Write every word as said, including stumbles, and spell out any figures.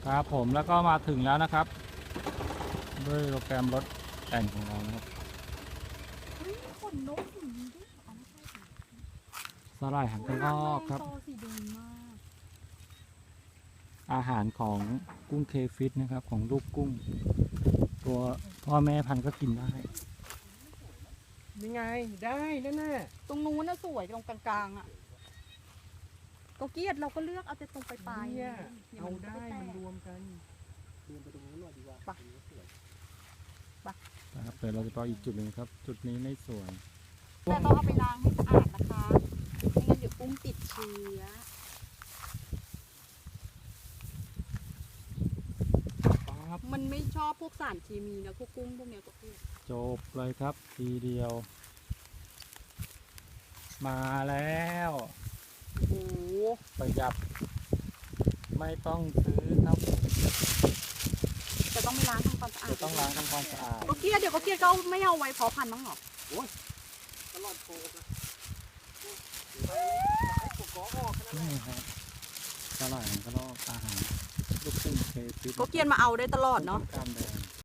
ครับผมแล้วก็มาถึงแล้วนะครับด้วยโปรแกรมรถแต่งของเรานะครับเฮ้ยขนนกอย่างนี้ด้วยอ๋อไม่ใช่สิสาหร่ายหางกระรอกครับโตสีแดงมากอาหารของกุ้งเคฟิตนะครับของลูกกุ้ง ตัวพ่อแม่พันธุ์ก็กินได้นี่ไงได้นั่นน่ะตรงนู้นน่ะสวยตรงกลางๆอ่ะก็เกลียดเราก็เลือกเอาแต่ตรงปลายๆเนี่ยนี่ยเอามันก็ได้แตกมันรวมกันรวมไปตรงนู้นหน่อยดีกว่าไปตรงนี้สวยนะครับเดี๋ยวเราจะไปอีกจุดหนึ่งครับ จุดนี้ไม่สวยแต่ต้องเอาไปล้างให้สะอาดนะคะไม่งั้นเดี๋ยวกุ้งติดเชื้อปั๊บมันไม่ชอบพวกสารเคมีนะพวกกุ้งพวกเนี้ยก็คือจบเลยครับ ทีเดียว มาแล้วโอ้โหประหยัดไม่ต้องซื้อครับจะต้องไปล้างทำความสะอาดจะต้องล้างทำความสะอาดก็เกลียดเดี๋ยวก็เกลียดก็เอาไม่เอาไว้เพาะพันธุ์มั้งเหรอตลอดโคกนะไปให้ปกกอออกขนาดนั้นนี่ครับสาหร่ายหางกระรอกอาหารลูกกุ้งเคฟิตก็เกลียดมาเอาได้ตลอดเนาะกล้ามแดง